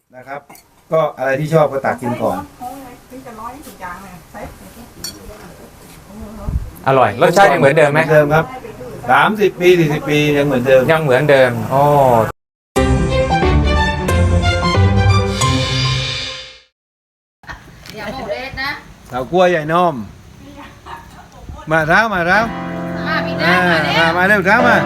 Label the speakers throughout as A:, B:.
A: นะครับ ก็อะไรที่ชอบก็ตักกินก่อน
B: อร่อยรสชาติยังเหมือนเดิมไหม
A: เดิมครับ30 ปี40 ปียังเหมือนเดิม
B: ยังเหมือนเดิมโอ้
C: อย่าโมเรสนะ
A: เสากล้วยใหญ่น้อมมาเท้ามาเท้า
C: มาพี่น้ามาแล้ว
A: มาเร็วเท้ามา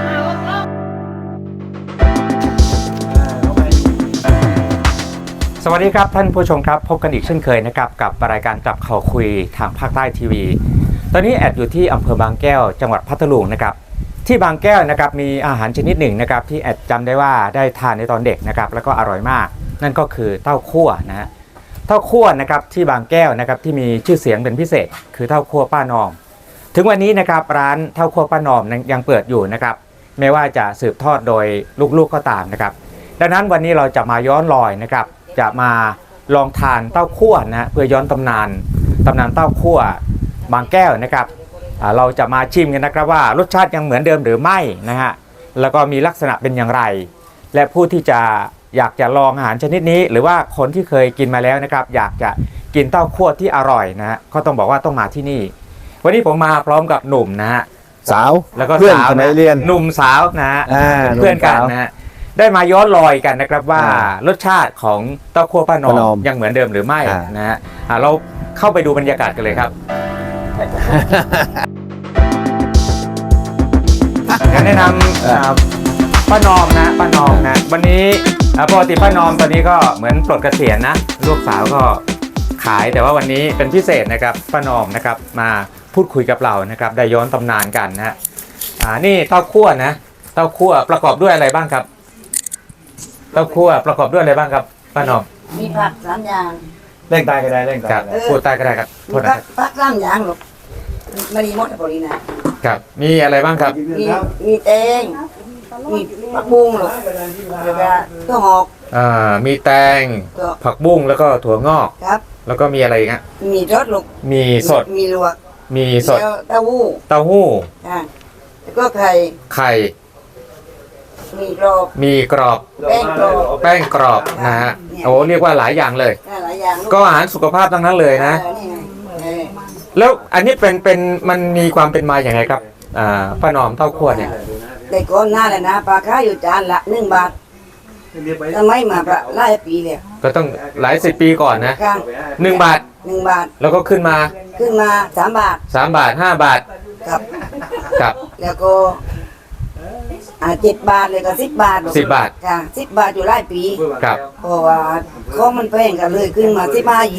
B: สวัสดีครับท่านผู้ชมครับพบกันอีกเช่นเคยนะครับกับรายการจับเข่าคุยทางภาคใต้ทีวีตอนนี้แอดอยู่ที่อำเภอบางแก้วจังหวัดพัทลุงนะครับที่บางแก้วนะครับมีอาหารชนิดหนึ่งนะครับที่แอดจำได้ว่าได้ทานในตอนเด็กนะครับแล้วก็อร่อยมากนั่นก็คือเต้าคั่วนะฮะเต้าคั่วนะครับที่บางแก้วนะครับที่มีชื่อเสียงเป็นพิเศษคือเต้าคั่วป้านอมถึงวันนี้นะครับร้านเต้าคั่วป้านอมยังเปิดอยู่นะครับไม่ว่าจะสืบทอดโดยลูกๆก็ตามนะครับดังนั้นวันนี้เราจะมาย้อนรอยนะครับจะมาลองทานเต้าคั่วนะเพื่อย้อนตำนานเต้าคั่วบางแก้วนะครับเราจะมาชิมกันนะครับว่ารสชาติยังเหมือนเดิมหรือไม่นะฮะแล้วก็มีลักษณะเป็นอย่างไร และผู้ที่จะอยากจะลองอาหารชนิดนี้ หรือว่าคนที่เคยกินมาแล้วนะครับอยากจะกินเต้าคั่วที่อร่อยนะฮะก็ต้องบอกว่าต้องมาที่นี่วันนี้ผมมาพร้อมกับหนุ่มนะฮะ
A: สาว
B: แล้วก็
A: เพื่อน
B: สาว
A: สมั
B: นะ
A: ยเรียน
B: หนุ่มสาวนะฮะ
A: ห
B: เพื่อนกัน
A: สาว
B: นะฮะได้มาย้อนรอยกันนะครับว่ารสชาติของเต้าคั่วป้านอ
A: ป้านอ
B: ม
A: ม
B: ยังเหมือนเดิมหรือไม่
A: อ่าน
B: นะฮะเราเข้าไปดูบรรยากาศกันเลยครับการแนะนำป้านอมนะป้านอมนะวันนี้ปกติป้านอมตอนนี้ก็เหมือนปลดเกษียณนะลูกสาวก็ขายแต่ว่าวันนี้เป็นพิเศษนะครับป้านอมนะครับมาพูดคุยกับเรานะครับได้ย้อนตำนานกันนะฮะนี่เต้าคั่วนะเต้าคั่วประกอบด้วยอะไรบ้างครับเต้าคั่วประกอบด้วยอะไรบ้างครับป้านอม
C: มีผัก3อย่าง
A: เร่งตายก็ได้เร่งตาย
B: ครับ
A: ก็ได้
B: พูดใต้ก็ได้ครับโท
C: มี
B: ษนะครับ
C: ผัก3อย่างลูกไม่ได้หมดพอดีนะครับ
B: มีอะไรบ้างครับ
C: มีแตงมีผักบุ้งลูกแล้วก็ถั่วงอก
B: มีแตง
C: ก็
B: ผักบุ้งแล้วก็ถั่วงอก
C: ครับ
B: แล้วก็มีอะไรอีกฮะ
C: มีรสลูก
B: มีสด
C: มีลวก
B: มีสด
C: แล้วเต้าหู้
B: เต้าหู้
C: อ่าแล้วก็ไข่
B: ไข่
C: มีกรอบ
B: มีกรอบ
C: แป้งกรอบ
B: แป้งกรอบนะฮะโอ้เรียกว่าหลายอย่างเลย
C: หลายอย่างลูก
B: ก็อาหารสุขภาพทั้งนั้นเลยนะ
C: นี่ไงเออ
B: แล้วอันนี้เป็นมันมีความเป็นมาอย่างไรครับป้านอมเต้าคั่วเนี่ย
C: แต่ก่อนหน้าเลยนะปลาค้าอยู่จานละ1 บาททำไมมาประหลายปีแล้ว
B: ก็ต้องหลายสิบปีก่อนนะ
C: ค่ะ
B: 1 บาท
C: 1 บาท
B: แล้วก็ขึ้นมา
C: ขึ้นมา3 บาท
B: 3 บาท 5 บาท
C: ครับ
B: กับ
C: แล้วก็7 บาทเลยก็10 บาท
B: 10 บาท
C: ค่ะ10 บาทอยู่หลายปี
B: กับ
C: เพราะว่าของมันแพงกันเลยขึ้นมา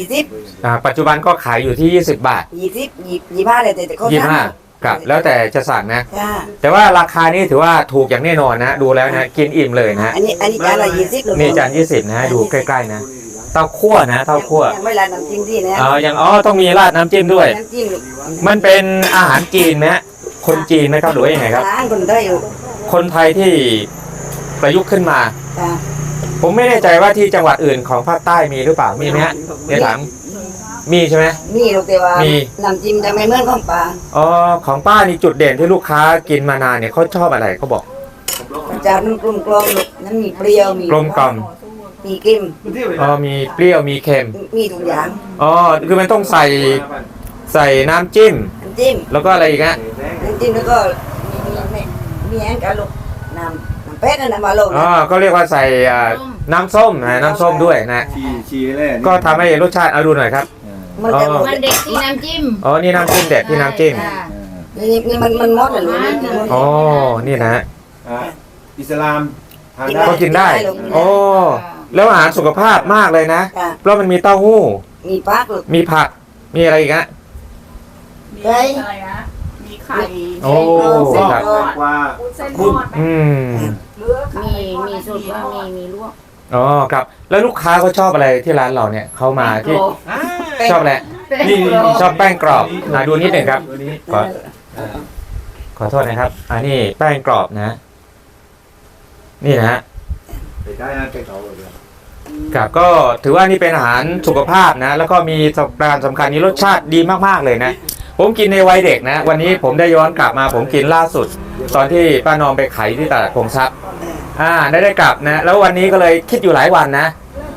C: 15
B: ปัจจุบันก็ขายอยู่ที่ 20 บาท
C: 20 25เลยแต่เขา
B: 25ครับแล้วแต่จะสั่งนะ
C: ค่ะ
B: แต่ว่าราคานี่ถือว่าถูกอย่างแน่นอนนะดูแล้วนะกินอิ่มเลยนะ
C: อันนี้จานละ20
B: นี่จาน20นะดูใกล้ๆนะเต้าคั่วนะเต้าคั่ว
C: ยังไม่ราดน้ำจิ้มที่นะ
B: อย่างต้องมีราดน้ำจิ้มด้วย
C: น้ำจิ้ม
B: มันเป็นอาหารจีนไหมฮะคนจีนไหมครับหรือว่ายังไงครับ
C: ร้านคนได้อยู่
B: คนไทยที่ประยุกต์ขึ้นมา
C: ค่ะ
B: ผมไม่แน่ใจว่าที่จังหวัดอื่นของภาคใต้มีหรือเปล่ามีไหมฮะเดี๋ยวถามมีใช่ไหม
C: มีลูกแต่ว่า
B: มี
C: น้ำจิ้มจะไม่เหมือนของปลา
B: อ๋อของป้านี่จุดเด่นที่ลูกค้ากินมานานเนี่ยเขาชอบอะไรเขาบอก
C: จานมันกลมกลมลูกนั้นมีเปรี้ยวมี
B: กลมกล่อม
C: มีเค็ม
B: มีเปรี้ยวมีเค็ม
C: มีทุกอย่าง
B: คือมันต้องใส่น้ำจิ้ม
C: น้ำจิ้ม
B: แล้วก็อะไรอีกฮะ
C: น้ำจิ้มแล้วก็มีแห้งกันลูกน้ำเป็ดนั่นนะมาลง
B: ก็เรียกว่าใส่น้ำส้มนะน้ำส้มด้วยนะ
A: ชีแร่
B: ก็ทำให้รสชาติเอาดูหน่อยครับ
C: มันจะ
D: มันเด็กที่น้ำจิ้ม
B: นี่น้ำจิ้มเด็ดที่น้ำจิ้ม
C: นี่มันมดเหรอลูก
B: นี่นะฮะ
A: อิสลามทานได้
B: ก็กินได้แล้วอาหารสุขภาพมากเลยนะ
C: ค่ะ
B: เพราะมันมีเต้าหู้
C: มีปลาลูก
B: มีผักมีอะไรอีกฮะ
C: ไก่
D: อะไรนะ มีไข่
B: โอ้
C: เส้น
B: ครับ
C: ทอด
A: ว่า
D: เส้นท
A: คุณ
D: อด มีสุดว่ามีลวก
B: ครับแล้วลูกค้าเขาชอบอะไรที่ร้านเราเนี่ยเขามาที่ชอบอะไร
D: นี่
B: ชอบแป้งกรอบดูนิดหนึ่งครับ
A: ตัวนี้
B: ขอโทษนะครับอันนี้แป้งกรอบนะนี่นะฮะ
A: ไปได้นะไปเขาเลย
B: ครับก็ถือว่านี่เป็นอาหารสุขภาพนะแล้วก็มีประการสำคัญนี้รสชาติดีมากๆเลยนะผมกินในวัยเด็กนะวันนี้ผมได้ย้อนกลับมาผมกินล่าสุด ตอนที่ป้านอมไปขายที่ตลาดพงทรัพย์ได้กลับนะแล้ววันนี้ก็เลยคิดอยู่หลายวันนะ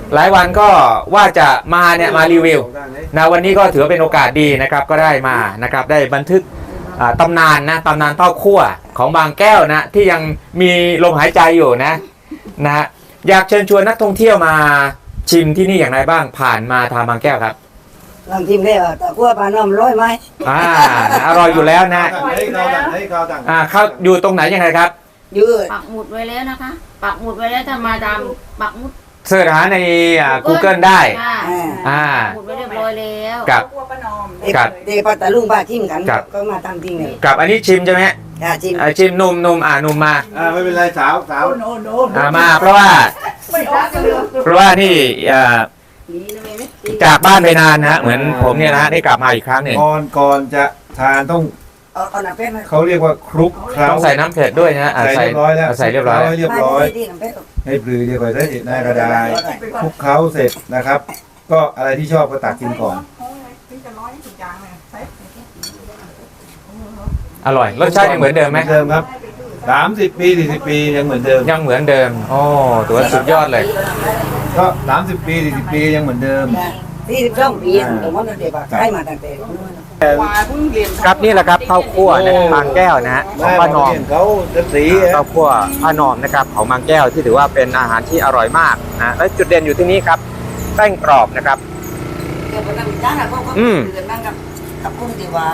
B: หลายวันก็ว่าจะมาเนี่ยมารีวิวนะวันนี้ก็ถือว่าเป็นโอกาสดีนะครับก็ได้มานะครับได้บันทึกตำนานนะตำนานเต้าคั่วของบางแก้วนะที่ยังมีลมหายใจอยู่นะฮะอยากเชิญชวนนักท่องเที่ยวมาชิมที่นี่อย่างไรบ้างผ่านมาทางบางแก้วครับ
C: ลองชิมได้ว่าตะกั่วปลาน้อมร้อยไหม
B: อร่อยอยู่แล้วนะ
A: เขา
B: เขาอยู่ตรงไหนยังไงครับ
C: ยืด
D: ปักหมุดไว้แล้วนะคะ ปักหมุดไว้แล้วถ้ามาตามปักหมุด
B: เสิร์ชหาในGoogle ได้
D: ค่ะ
B: อ่า
D: ปักหมุดไว้เรียบร้อยแล้ว
B: กับ ครับ
C: เด็กปัตตาลุงป้าชิมกัน
B: ครับ
C: ก็มาทำจริงเลย
B: กับอันนี้ชิมใช่ไหม
C: ชิม
B: ชิมนุ่มนุ่มมา
A: ไม่เป็นไรสาว
B: มาเพราะว่านี่จากบ้านไปนานนะเหมือนผมเนี่ยนะได้กลับมาอีกครั้งหนึ่ง
A: ก่อนจะทานต้อง
C: เอาหนังเป็ดมา
A: เขาเรียกว่าคลุกเคล้า
B: ต้องใส่น้ำเผ็ดด้วยนะ
A: ใส่เรียบร้อยแล้ว
B: ใส่เรียบร้อย
A: ให้เรียบร้อย
C: ที่หนังเป็ด
A: ให้ปลือเรียบร้อยได้หน้ากระดาษคลุกเคล้าเสร็จนะครับ ก็อะไรที่ชอบก็ตักกินก่อน
B: อร่อยรสชาติยังเหมือนเดิมไหม
A: เดิมครับ30 ปี40 ปียังเหมือนเดิม
B: ยังเหมือนเดิมโอ้ถือว่าสุดยอดเลย
A: ก็30 ปี40 ปียังเหมือนเดิม
C: 42 ปีผมว่าเด็กๆใกล้มาตั้งแต่
B: ครับนี่แหละครับข้าวคั่วนะครับบางแก้วนะฮะของป้านอม
A: เขาจะสี
B: ข้าวคั่วป้านอมนะครับของบางแก้วที่ถือว่าเป็นอาหารที่อร่อยมากนะและจุดเด่นอยู่ที่นี่ครับแป้งกรอบนะครับ
C: กับกุ้งดีวาก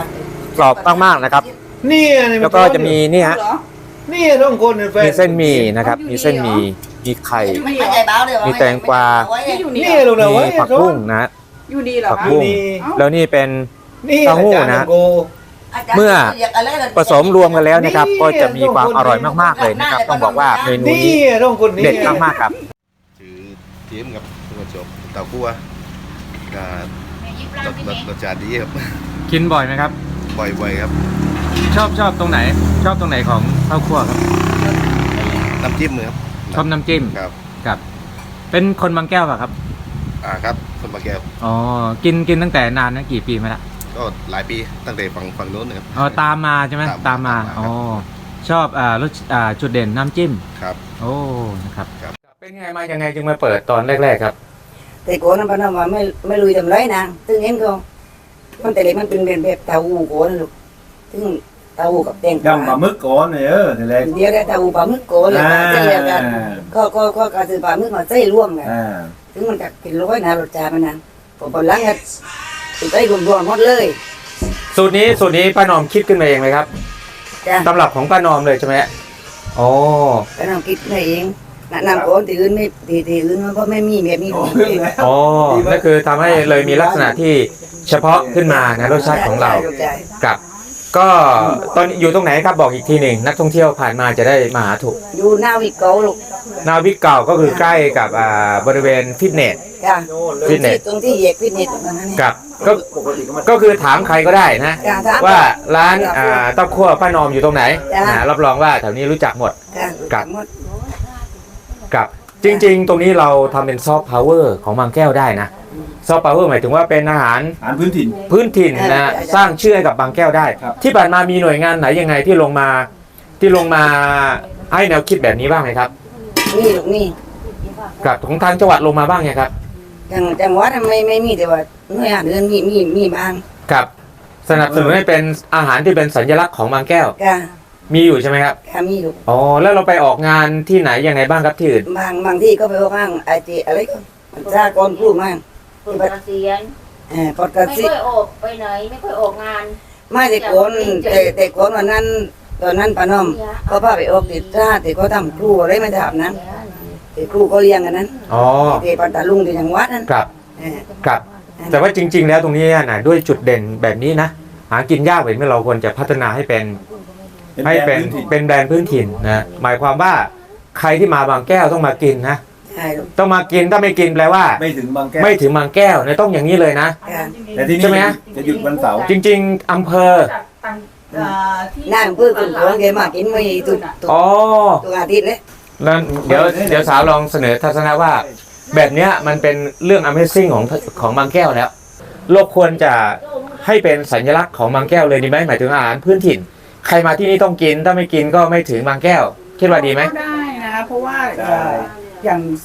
B: รอบมากๆนะครับ
A: นี่
B: แล้วก็จะมีนี่ฮะ
A: นี่ต้องคนเป็นแฟน
B: มีเส้นหมี่นะครับมีเส้นหมี่มีไข่
C: ไม่ใจเบาเลย
B: มีแตงกวา
A: นี่ลูกนะ
B: มี
A: เว้ย
B: ผักบุ้งนะ
E: อยู่ดีเหรอ
B: ผัก
E: คะ
B: บุ้งแล้วนี่เป็น
A: นี่
B: เต้าหู้นะ
A: อาจารย์โก
B: เมื่อผสมรวมกันแล้วนะครับ ก็จะมีความอร่อยมากๆเลยนะครับ ต้องบอกว่าเมนู
A: นี่
B: นี้
A: ต้องคนนี้
B: เด็ดมากๆครับ
F: ชื่อเทียมครับตัวจบเต่าคั่วก็รสชาติดีครับ
B: กินบ่อยไหมครับ
F: บ่อยๆครับ
B: ชอบตรงไหน ชอบตรงไหนของข้าวคั่วครับ
F: น้ำจิ้มครับ
B: ชอบน้ำจิ้ม
F: ครับ
B: ครับ เป็นคนบางแก้วป่ะครับ
F: ครับคนบางแก้ว
B: อ๋อกินตั้งแต่นานนะกี่ปีมาละ
F: ก็หลายปีตั้งแต่ฝั่งโน้นนะครับ
B: อ๋อตามมาใช่ไหมตามมาอ๋อชอบรสจุดเด่นน้ำจิ้ม
F: ครับ
B: โอ้นะครับ
F: ครับ
B: เป็นไงมายังไงจึงมาเปิดตอนแรกๆครับ
C: แต่โกนั้นพนันว่าไม่ลุยทำไรนะตึงเห็นเขามันแต่เล็กมันเป็นแบบเตาหูโกนลูกตึงเตาหูกับแตง
A: ยำปลาหมึกก่อนเนี่ยทีแรก
C: เดี๋ยวได้เตาหูปลาหมึกโกนเลยใช่กันก็กระสือปลาหมึกมาใส่ร่วมกันถึงมันก็เป็นร้อยนะรสชาติมันนะผมหลังก็ใส่รวมๆหมดเลย
B: สูตรนี้ป้านอมคิดขึ้นมาเองเลยครับ
C: จ้ะ
B: ตำรับของป้านอมเลยใช่ไหมโอ้
C: ก็น้ำคิดมาเองแนะนำคนที่อื่นไม่ที่อื่นมันก็ไม่มีแบบนี้
B: อ๋อนั่นคือทำให้เลยมีลักษณะที่เฉพาะขึ้นมานะรสชาติของเรากับ ก็ตอนอยู่ตรงไหนครับบอกอีกทีหนึ่งนักท่องเที่ยวผ่านมาจะได้มาหาถูก
C: อยู่หน้าวิกเกาลูก
B: นาวิกเก่าก็คือใกล้กับบริเวณฟิตเนส
C: จ้ะ
B: ฟิตเนส
C: ตรงที่เหยียบฟิตเนสตรงนั้นนี่
B: กับก็คือถามใครก็ได้นะ
C: จ้ะถาม
B: ว่าร้านเต้าคั่วป้านอมอยู่ตรงไหน
C: จ้ะ
B: รับรองว่าแถวนี้รู้จักหมด
C: จ้ะ
B: กับ
C: หมด
B: กับจริงๆ ตรงนี้เราทำเป็นซอฟต์พาวเวอร์ของบางแก้วได้นะซอฟต์พาวเวอร์หมายถึงว่าเป็นอาหาร
A: อาหารพื้นถิ่น
B: พื้นถิ่นนะสร้างชื่อให้กับบางแก้วได้
A: ครับ
B: ที่ผ่านมามีหน่วยงานไหนยังไงที่ลงมาให้แนวคิดแบบนี้บ้างไหมครับ
C: นี่ลูกนี่
B: กับของทางจังหวัดลงมาบ้างไงครับ
C: จังหวัดไม่มีแต่ว่าหน่วยงานอื่นมีบ้าง
B: กับสนับสนุนให้เป็นอาหารที่เป็นสัญลักษณ์ของบางแก้ว
C: ค่ะ
B: มีอยู่ใช่ไหมครับ
C: ค่ะมีลูก
B: อ๋อแล้วเราไปออกงานที่ไหนยังไงบ้างครับที่อื่น
C: บางที่ก็ไปว่าบ้างไอจีอะไรก็มันซากรพูดมาก
D: คนเกษียณ
C: พอดกระ
D: ไม่
C: ซิบ
D: ค่อยออกไปไหน ไม่ค่อยออกงาน
C: ไม่แต่คนแต่คนวันนั้นตอนนั้นป้าน้อมเขาพาไปออกติดท่าแต่เขาทำครูอะไรไม่ทำนั้นแต่ครูเขาเลี้ยงกันนั้น
B: อ๋อ
C: แต่ปัตตาลุงที่จังหวัดนั้น
B: กับกับแต่ว่าจริง ๆ แล้วตรงนี้นะด้วยจุดเด่นแบบนี้นะหากินยากเลยเมื่อเราควรจะพัฒนาให้เป็นแบรนด์พื้นถิ่นนะหมายความว่าใครที่มาบางแก้วต้องมากินนะ
C: ใช่ลูก
B: ต้องมากินถ้าไม่กินแปลว่า
A: ไม่ถึงบางแก้ว
B: ไม่ถึงบางแก้วเนี่ยต้องอย่างนี้เลยนะ
C: ค่ะ
A: แต่ที่
B: ใช่
A: นี่
B: ไหมฮะ
A: จะหยุดวันเสาร์
B: จริง ๆอำเภอ
C: นั่งเพื่อคุณของแกมากินไม่ตุน
B: อ๋อ
C: ตัวอาทิตย์เลย
B: แล้วเดี๋ยวสาวลองเสนอทัศนะว่า แบบเนี้ยมันเป็นเรื่อง Amazing ของบางแก้วแล้วโลกควรจะให้เป็นสัญลักษณ์ของบางแก้วเลยดีไหมหมายถึงอาหารพื้นถิ่น ใครมาที่นี่ต้องกินถ้าไม่กินก็ไม่ถึงบางแก้ว คิดว่าดีไหม
E: ก็ได้นะคะเพราะว่าอย่าง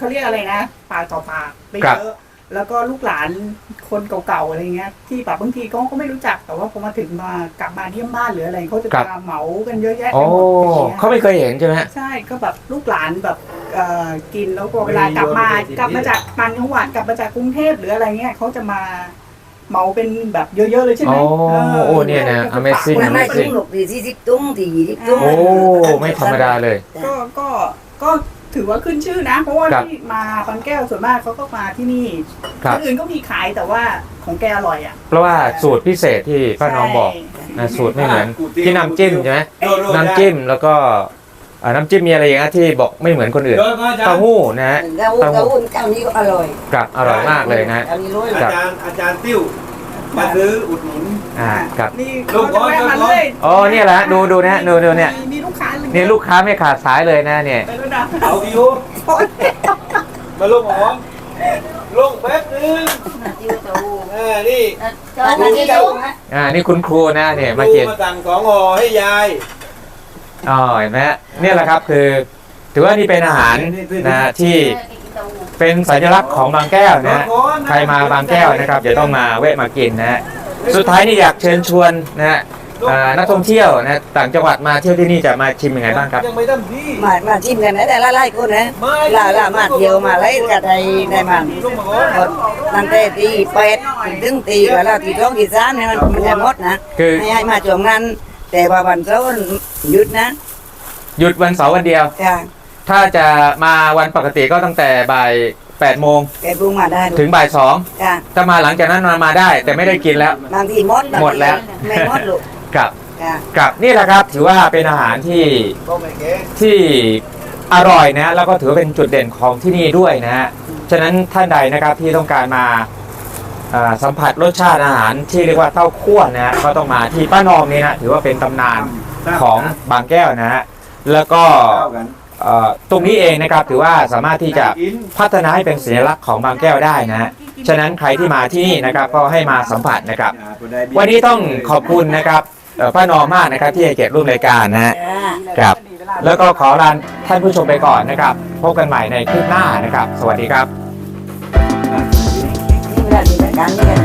E: เขาเรียกอะไรนะปากต่อปากไป
B: ครับ
E: เยอะแล้วก็ลูกหลานคนเก่าๆอะไรเงี้ยที่แบบบางทีก็ไม่รู้จักแต่ว่าพอมาถึงมากลับมาเยี่ยมบ้านหรืออะไรเขาจะมาเหมากันเยอะแยะ
B: โอ้
E: ไปหมดอย่างเงี้ย
B: เขาไม่เคยเห็นใช่ไหมฮะ
E: ใช่ก็แบบลูกหลานแบบกินแล้วก็เวลากลับมาจากต่างจังหวัดกลับมาจากกรุงเทพหรืออะไรเงี้ยเขาจะมาเหมาเป็นแบบเยอะๆเลยใช่ไหม
B: โอ้เนี่ยนะ Amazing
C: มันไม่ถึงหรอกที่40ตุ้งที่20ตุ้ง
B: โอ้ไม่ธรรมดาเลย
E: ก็ถือว่าขึ้นชื่อนะ เพราะว่า
B: ครับ
E: ที่มาบางแก้วส่วนมากเขาก็มาที่นี่
B: ครับ
E: ที่อื่นก็มีขายแต่ว่าของแกอร่อยอ่ะ
B: เพราะว่าสูตรพิเศษที่ป้าน้องบอก
E: ใช่
B: นะสูตรไม่เหมือนที่น้ำจิ้มใช่ไหมน้ำจิ้มแล้วก็น้ำจิ้มมีอะไรอย่างเงี้ยที่บอกไม่เหมือนคนอื่นเต้าหู้นะฮะ
C: เก้าหุ้นเก้านี้ก็อร่อย
B: กับอร่อยมากเลยนะ
C: เก้านี้ร้อย
B: ครับ
A: อาจารย์ติ้วมาซื้ออุดหนุน
B: ครับ
E: นี่เขาจะแวะมาเรื่อย
B: อ๋อเนี่ยแหละดูนะดูเนี่ย
E: มีลูกค้า
B: นี่ลูกค้าไม่ขาดสายเลยนะเนี่ย
E: ไปแล้วนะ
A: เอาดิวมาลงหอมลงแป๊บนึง
D: จิ้วเต้าหู้
A: นี่
D: เจ้าหน้าที่ลุง
B: นี่คุณครูนะเนี่ยมากิน
A: มาสั่ง2 ห่อให้ยาย
B: อ๋อเห็นไหมฮะเนี่ยแหละครับคือถือว่านี่เป็นอาหารนะที่เป็นสัญลักษณ์ของบางแก้วนะฮะใครมาบางแก้วนะครับจะต้องมาแวะมากินนะฮะสุดท้ายนี่อยากเชิญชวนนะฮะนักท่องเที่ยวนะต่างจังหวัดมาเที่ยวที่นี่จะมาชิมยังไงบ้างครับ
A: ยังไม่ได้ที่
C: มาชิมกันนะแต่ละไล่คนนะล่ามาเที่ยวมาไล่กับไทยในมัน
A: ลงมาก่อน
C: ตั้งแต่ตี8ถึงตีกับเราตี2ตี3เนี่ยมันจะหมดนะ
B: คือ
C: ให้มาช่วงนั้นแต่ว่าวันเสาร์หยุดนะ
B: หยุดวันเสาร์วันเดียว
C: ค่ะ
B: ถ้าจะมาวันปกติก็ตั้งแต่บ่าย8 โมง
C: แกปรุงมาได้
B: ถึงบ่าย
C: ค่ะ
B: 2ถ้ามาหลังจากนั้นมาได้ แต่ไม่ได้กินแล้ว
C: บางทีหมด
B: หมดแล้ว
C: ไม่หมดลูก
B: กับ
C: ค่ะ
B: กับนี่แหละครับถือว่าเป็นอาหารที่
A: ก็ไม่เก๋
B: ที่อร่อยนะแล้วก็ถือว่าเป็นจุดเด่นของที่นี่ด้วยนะฮะฉะนั้นท่านใดนะครับที่ต้องการมาสัมผัสรสชาติอาหารที่เรียกว่าเต้าคั่วนะฮะก็ต้องมาที่ป้านอมนี่นะถือว่าเป็นตำนานของบางแก้วนะฮะแล้วก็
A: เข้ากัน
B: ตรงนี้เองนะครับถือว่าสามารถที่จะพัฒนาให้เป็นสัญลักษณ์ของบางแก้วได้นะฮะฉะนั้นใครที่มาที่นี่นะครับก็ให้มาสัมผัสนะครับ วันนี้ต้องขอบคุณนะครับป้านอมมากนะครับที่ให้เกียรติร่วมรายการนะฮะ ครับ แล้วก็ขอลาท่านผู้ชมไปก่อนนะครับพบกันใหม่ในคลิปหน้านะครับ สวัสดีครับ
C: นี่เวลามีรายการนี่กัน